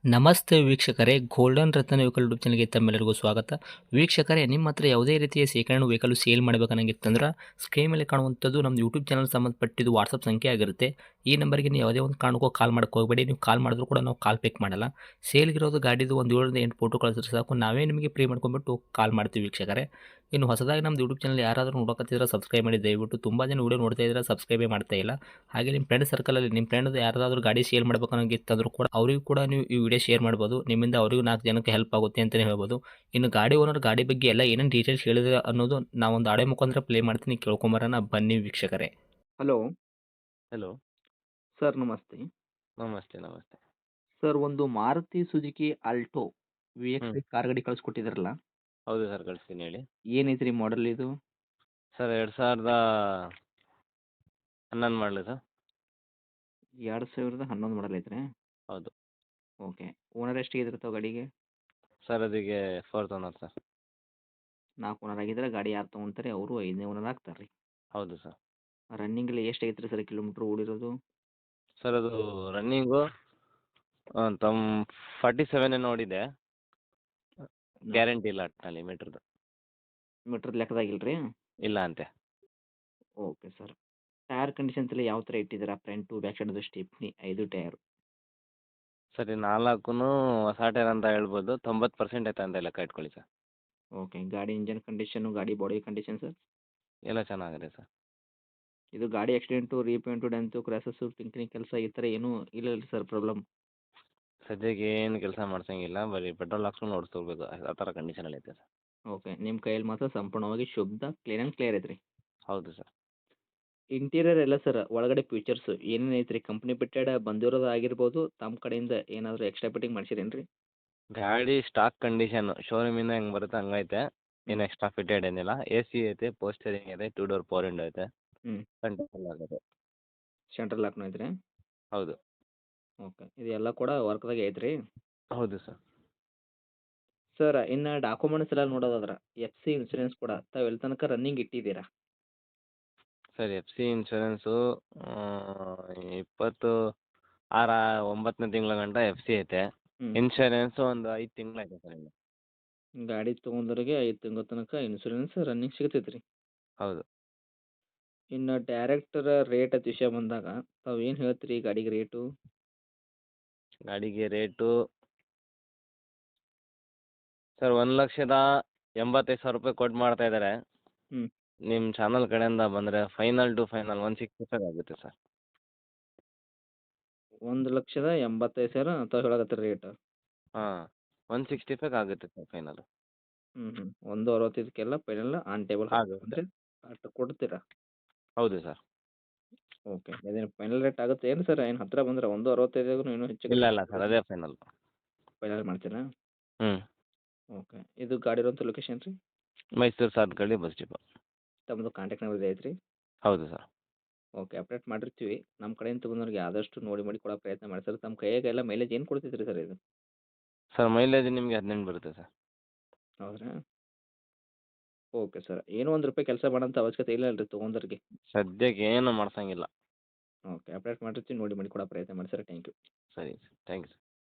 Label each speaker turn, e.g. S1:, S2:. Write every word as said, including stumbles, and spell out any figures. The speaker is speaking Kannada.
S1: ನಮಸ್ತೆ ವೀಕ್ಷಕರೇ, ಗೋಲ್ಡನ್ ರತ್ನ ವೆಹಿಕಲ್ ಯೂಟ್ಯೂಬ್ ಚಾನಲ್ಗೆ ತಮ್ಮೆಲ್ಲರಿಗೂ ಸ್ವಾಗತ. ವೀಕ್ಷಕರೇ, ನಿಮ್ಮ ಹತ್ರ ಯಾವುದೇ ರೀತಿಯ ಶೇಖರಣೆ ವೆಹಿಕಲ್ ಸೇಲ್ ಮಾಡಬೇಕನ್ನಂಗಿತ್ತಂದ್ರೆ ಸ್ಕ್ರೀನ್ ಮೇಲೆ ಕಾಣುವಂಥದ್ದು ನಮ್ಮ ಯೂಟ್ಯೂಬ್ ಚಾನಲ್ ಸಂಬಂಧಪಟ್ಟಿದ್ದು ವಾಟ್ಸಪ್ ಸಂಖ್ಯೆ ಆಗಿರುತ್ತೆ. ಈ ನಂಬರ್ಗೆ ನೀವು ಯಾವುದೇ ಒಂದು ಕಾರಣಕ್ಕೂ ಕಾಲ್ ಮಾಡಕ್ಕೆ ಹೋಗಬೇಡಿ. ನೀವು ಕಾಲ್ ಮಾಡಿದ್ರು ಕೂಡ ನಾವು ಕಾಲ್ ಪಿಕ್ ಮಾಡಲ್ಲ. ಸೇಲ್ಗಿರೋದು ಗಾಡಿದು ಒಂದು ಏಳರಿಂದ ಎಂಟು ಫೋಟೋ ಕಳಿಸಿದ್ರೆ ಸಾಕು, ನಾವೇ ನಿಮಗೆ ಪ್ರೀ ಮಾಡ್ಕೊಂಡ್ಬಿಟ್ಟು ಕಾಲ್ ಮಾಡ್ತೀವಿ ವೀಕ್ಷಕರೇ. ಇನ್ನು ಹೊಸದಾಗಿ ನಮ್ಮದು ಯೂಟ್ಯೂಬ್ ಚಾನಲ್ ಯಾರಾದರೂ ನೋಡೋಕತ್ತಿದ್ರೆ ಸಬ್ಸ್ಕ್ರೈಬ್ ಮಾಡಿ ದಯವಿಟ್ಟು. ತುಂಬ ಜನ ವೀಡಿಯೋ ನೋಡ್ತಾ ಇದ್ದಾರೆ, ಸಬ್ಸ್ಕ್ರೈಬೇ ಮಾಡ್ತಾ ಇಲ್ಲ. ಹಾಗೆ ನಿಮ್ಮ ಫ್ರೆಂಡ್ ಸರ್ಕಲಲ್ಲಿ ನಿಮ್ಮ ಫ್ರೆಂಡ್ ಯಾರಾದರೂ ಗಾಡಿ ಸೇಲ್ ಮಾಡ್ಬೇಕನ್ನೋಂಗಿತ್ತಂದ್ರೂ ಕೂಡ ಅವರಿಗೂ ಕೂಡ ನೀವು ಈ ವಿಡಿಯೋ ಶೇರ್ ಮಾಡ್ಬೋದು. ನಿಮ್ಮಿಂದ ಅವರಿಗೂ ನಾಲ್ಕು ಜನಕ್ಕೆ ಹೆಲ್ಪ್ ಆಗುತ್ತೆ ಅಂತಲೇ ಹೇಳ್ಬೋದು. ಇನ್ನು ಗಾಡಿ ಓನರ್ ಗಾಡಿ ಬಗ್ಗೆ ಎಲ್ಲ ಏನೇನು ಡೀಟೇಲ್ಸ್ ಹೇಳಿದ್ರೆ ಅನ್ನೋದು ನಾವೊಂದು ಆಡೆ ಮುಖಾಂತರ ಪ್ಲೇ ಮಾಡ್ತೀನಿ, ಕೇಳ್ಕೊಂಬರೋಣ ಬನ್ನಿ ವೀಕ್ಷಕರೇ. Hello
S2: hello.
S1: ಸರ್, ನಮಸ್ತೆ.
S2: ನಮಸ್ತೆ, ನಮಸ್ತೆ.
S1: ಸರ್, ಒಂದು Maruti Suzuki Alto V
S2: hmm.
S1: X car ಗಾಡಿ ಕಳಿಸ್ಕೊಟ್ಟಿದ್ರಲ್ಲ,
S2: ಹೌದು ಸರ್, ಕಳಿಸ್ತೀನಿ ಹೇಳಿ.
S1: ಏನೈತ್ರಿ ಮಾಡೆಲ್ ಇದು?
S2: ಸರ್ ಎರಡು ಸಾವಿರದ ಹನ್ನೊಂದು ಮಾಡಲಿ ಸರ್.
S1: ಎರಡು ಸಾವಿರದ ಹನ್ನೊಂದು ಮಾಡಲ್ ಐತ್ರಿ?
S2: ಹೌದು.
S1: ಓಕೆ. ಓನರ್ ಎಷ್ಟಿಗೆ ಇದಿರ್ತಾವೆ ಗಾಡಿಗೆ?
S2: ಸರ್ ಅದಕ್ಕೆ ಫೋರ್ತ್ ಓನರ್ ಸರ್.
S1: ನಾಲ್ಕು ಓನರ್ ಆಗಿದ್ರೆ ಗಾಡಿ ಯಾರು ತೊಗೊಂತಾರೆ ಅವರು ಐದನೇ ಓನರ್ ಆಗ್ತಾರೆ ರೀ.
S2: ಹೌದು ಸರ್.
S1: ರನ್ನಿಂಗಲ್ಲಿ ಎಷ್ಟು ಐತ್ರಿ ಸರ್ ಕಿಲೋಮೀಟ್ರ್ ಓಡಿರೋದು?
S2: ಸರ್ ಅದು ರನ್ನಿಂಗು ತಮ್ಮ ಫಾರ್ಟಿ ಸೆವೆನ್ ನೋಡಿದೆ. ಗ್ಯಾರಂಟಿ ಇಲ್ಲ ಒಟ್ಟಿನಲ್ಲಿ ಮೀಟ್ರದ್ದು.
S1: ಮೀಟ್ರ್ ಲೆಕ್ಕದಾಗಿಲ್ಲ ರೀ?
S2: ಇಲ್ಲ ಅಂತೆ.
S1: Okay sir. ಟೈರ್ ಕಂಡೀಷನ್ಸ್ ಎಲ್ಲ ಯಾವ ಥರ ಇಟ್ಟಿದ್ದೀರಾ? ಫ್ರಂಟು ಬ್ಯಾಕ್ ಸೈಡದು ಸ್ಟೆಪ್ನಿ ಐದು ಟೈರು.
S2: ಸರ್ ಈ ನಾಲ್ಕು ಹೊಸ ಟೈರ್ ಅಂತ ಹೇಳ್ಬೋದು. ತೊಂಬತ್ತು ಪರ್ಸೆಂಟ್ ಐತೆ ಅಂತ ಲೆಕ್ಕ ಇಟ್ಕೊಳ್ಳಿ ಸರ್.
S1: ಓಕೆ. ಗಾಡಿ ಇಂಜನ್ ಕಂಡೀಷನು, ಗಾಡಿ ಬಾಡಿ ಕಂಡೀಷನ್ ಸರ್?
S2: ಎಲ್ಲ ಚೆನ್ನಾಗಿದೆ ಸರ್.
S1: ಇದು ಗಾಡಿ accident, repaint, dent, crashes, tinkering ಕೆಲಸ ಈ ಥರ ಏನೂ ಇಲ್ಲ ಅಲ್ಲ ಸರ್ ಪ್ರಾಬ್ಲಮ್?
S2: ಸದ್ಯಕ್ಕೆ ಏನು ಕೆಲಸ ಮಾಡ್ಸಂಗಿಲ್ಲ, ಬರೀ ಪೆಟ್ರೋಲ್ ಹಾಕ್ಸ್ಕೊಂಡು ಓಡಿಸ್ಕೋಬೇಕು, ಆ ಥರ ಕಂಡೀಷನಲ್ಲಿ ಐತೆ ಸರ್.
S1: ಓಕೆ. ನಿಮ್ಮ ಕೈಯಲ್ಲಿ ಮಾತ್ರ ಸಂಪೂರ್ಣವಾಗಿ ಶುದ್ಧ ಕ್ಲೀನ್ ಆ್ಯಂಡ್ ಕ್ಲಿಯರ್ ಐತ್ರಿ.
S2: ಹೌದು ಸರ್.
S1: ಇಂಟೀರಿಯರ್ ಎಲ್ಲ ಸರ್ ಒಳಗಡೆ ಫೀಚರ್ಸ್ ಏನೇನು ಐತ್ರಿ? ಕಂಪ್ನಿ ಬಿಟ್ಟೆಡ ಬಂದಿರೋದು ಆಗಿರ್ಬೋದು, ತಮ್ಮ ಕಡೆಯಿಂದ ಏನಾದರೂ ಎಕ್ಸ್ಟ್ರಾ ಫಿಟ್ಟಿಂಗ್ ಮಾಡ್ಸಿರೇನು ರೀ?
S2: ಗಾಡಿ ಸ್ಟಾಕ್ ಕಂಡೀಷನ್ ಶೋರೂಮಿಂದ ಹೆಂಗೆ ಬರುತ್ತೆ ಹಂಗೈತೆ. ಏನು
S1: ಹ್ಞೂ.
S2: ಎಕ್ಸ್ಟ್ರಾ ಫಿಟೆಡ್ ಏನಿಲ್ಲ. ಎ ಸಿ ಐತೆ, ಪೋಸ್ಟರಿಂಗ್ ಇದೆ, ಟೂ ಡೋರ್ ಪವರ್ ವಿಂಡೋ ಐತೆ,
S1: ಹ್ಞೂ.
S2: ಕಂಟ್ರೋಲ್ ಆಗುತ್ತೆ.
S1: ಸೆಂಟ್ರಲ್ ಲಾಕ್ನು ಐತ್ರಿ?
S2: ಹೌದು.
S1: ಓಕೆ. ಇದೆಲ್ಲ ಕೂಡ ವರ್ಕ್ದಾಗೆ ಐತ್ರಿ?
S2: ಹೌದು ಸರ್.
S1: ಸರ್, ಇನ್ನು ಡಾಕ್ಯುಮೆಂಟ್ಸ್ ಎಲ್ಲ ನೋಡೋದಾದ್ರೆ ಎಫ್ ಸಿ ಇನ್ಸೂರೆನ್ಸ್ ಕೂಡ ತಾವು ಎಲ್ಲಿ ತನಕ ರನ್ನಿಂಗ್ ಇಟ್ಟಿದ್ದೀರಾ?
S2: ಸರ್ ಎಫ್ ಸಿ ಇನ್ಶೂರೆನ್ಸು ಇಪ್ಪತ್ತು ಆರ ಒಂಬತ್ತನೇ ತಿಂಗಳ ಗಂಟ ಎಫ್ ಸಿ ಐತೆ.
S1: ಹ್ಞೂ.
S2: ಇನ್ಶೂರೆನ್ಸು ಒಂದು ಐದು ತಿಂಗಳೈತೆ ಸರ್ ಇನ್ನು.
S1: ಗಾಡಿ ತೊಗೊಂಡವ್ರಿಗೆ ಐದು ತಿಂಗಳ ತನಕ ಇನ್ಸೂರೆನ್ಸ್ ರನ್ನಿಂಗ್ ಸಿಗ್ತೈತೆ ರೀ.
S2: ಹೌದು.
S1: ಇನ್ನು ಡೈರೆಕ್ಟರ ರೇಟ್ ಅಂತ ವಿಷಯ ಬಂದಾಗ ತಾವು ಏನು ಹೇಳ್ತೀರಿ ಗಾಡಿಗೆ ರೇಟು?
S2: ಗಾಡಿಗೆ ರೇಟು ಸರ್ ಒಂದು ಲಕ್ಷದ ಎಂಬತ್ತೈದು ಸಾವಿರ ರೂಪಾಯಿ ಕೊಟ್ಟು ಮಾಡ್ತಾ ಇದ್ದಾರೆ.
S1: ಹ್ಞೂ.
S2: ನಿಮ್ಮ ಚಾನಲ್ ಕಡೆಯಿಂದ ಬಂದರೆ final to final one sixty five ಆಗುತ್ತೆ ಸರ್.
S1: ಒಂದು ಲಕ್ಷದ ಎಂಬತ್ತೈದು ಸಾವಿರ ತಾವು ಹೇಳಕತ್ತೀರಿ ರೇಟ್?
S2: ಹಾಂ, ಒನ್ ಸಿಕ್ಸ್ಟಿ ಫೈವ್ ಆಗುತ್ತೆ ಸರ್ ಫೈನಲ್.
S1: ಹ್ಞೂ ಹ್ಞೂ. ಒಂದು ಅರವತ್ತೈದಕ್ಕೆಲ್ಲ ಫೈನಲ್ ಆನ್ ಟೇಬಲ್
S2: ಆಗುತ್ತೆ.
S1: ಅಂದರೆ ಅಷ್ಟು ಕೊಡ್ತೀರಾ?
S2: ಹೌದು ಸರ್.
S1: ಓಕೆ. ಇದೇನು ಫೈನಲ್ ರೇಟ್ ಆಗುತ್ತೆ ಏನು ಸರ್? ಏನು ಹತ್ತಿರ ಬಂದ್ರೆ ಒಂದು ಅರವತ್ತೈದಾಗೂ ಇನ್ನೂ ಹೆಚ್ಚು
S2: ಇಲ್ಲ
S1: ಕಡಿಮೆ
S2: ಇಲ್ಲ ಸರ್, ಅದೇ ಫೈನಲ್.
S1: ಫೈನಲ್ ಮಾಡ್ತೀರಾ?
S2: ಹ್ಞೂ.
S1: ಓಕೆ. ಇದು ಗಾಡಿ ಇರೋಂಥ ಲೊಕೇಶನ್ ರೀ?
S2: Mysuru Sathagalli bus depot.
S1: ತಮ್ಮದು ಕಾಂಟ್ಯಾಕ್ಟ್ ನಂಬರ್ ಇದೆ ಐತ್ರಿ?
S2: ಹೌದು ಸರ್.
S1: ಓಕೆ. ಅಪ್ಡೇಟ್ ಮಾಡಿರ್ತೀವಿ. ನಮ್ಮ ಕಡೆಯಿಂದ ತೊಗೊಂಡವ್ರಿಗೆ ಆದಷ್ಟು ನೋಡಿ ಮಾಡಿ ಕೊಡೋ ಪ್ರಯತ್ನ ಮಾಡಿ ಸರ್. ತಮ್ಮ ಕೈಯಾಗ ಎಲ್ಲ ಮೈಲೇಜ್ ಏನು ಕೊಡ್ತೈತೆ ರೀ ಸರ್ ಇದು?
S2: ಸರ್ ಮೈಲೇಜ್ ನಿಮಗೆ ಹದಿನೆಂಟು ಬರುತ್ತೆ ಸರ್.
S1: ಹೌದ್ರಾ? Okay sir. ಏನೋ ಒಂದು ರೂಪಾಯಿ ಕೆಲಸ ಮಾಡೋಂಥ ಅವಶ್ಯಕತೆ ಇಲ್ಲ ಅಲ್ರಿ ತೊಗೊಂಡವ್ರಿಗೆ?
S2: ಸದ್ಯಕ್ಕೆ ಏನು ಮಾಡ್ಸಂಗಿಲ್ಲ.
S1: ಓಕೆ. ಅಪ್ಡೇಟ್ ಮಾಡಿರ್ತೀವಿ, ನೋಡಿ ಮಾಡಿ ಕೊಡೋ ಪ್ರಯತ್ನ ಮಾಡಿ ಸರ್. Thank you.
S2: ಸರಿ ಸರ್, ಥ್ಯಾಂಕ್ ಯು ಸರ್.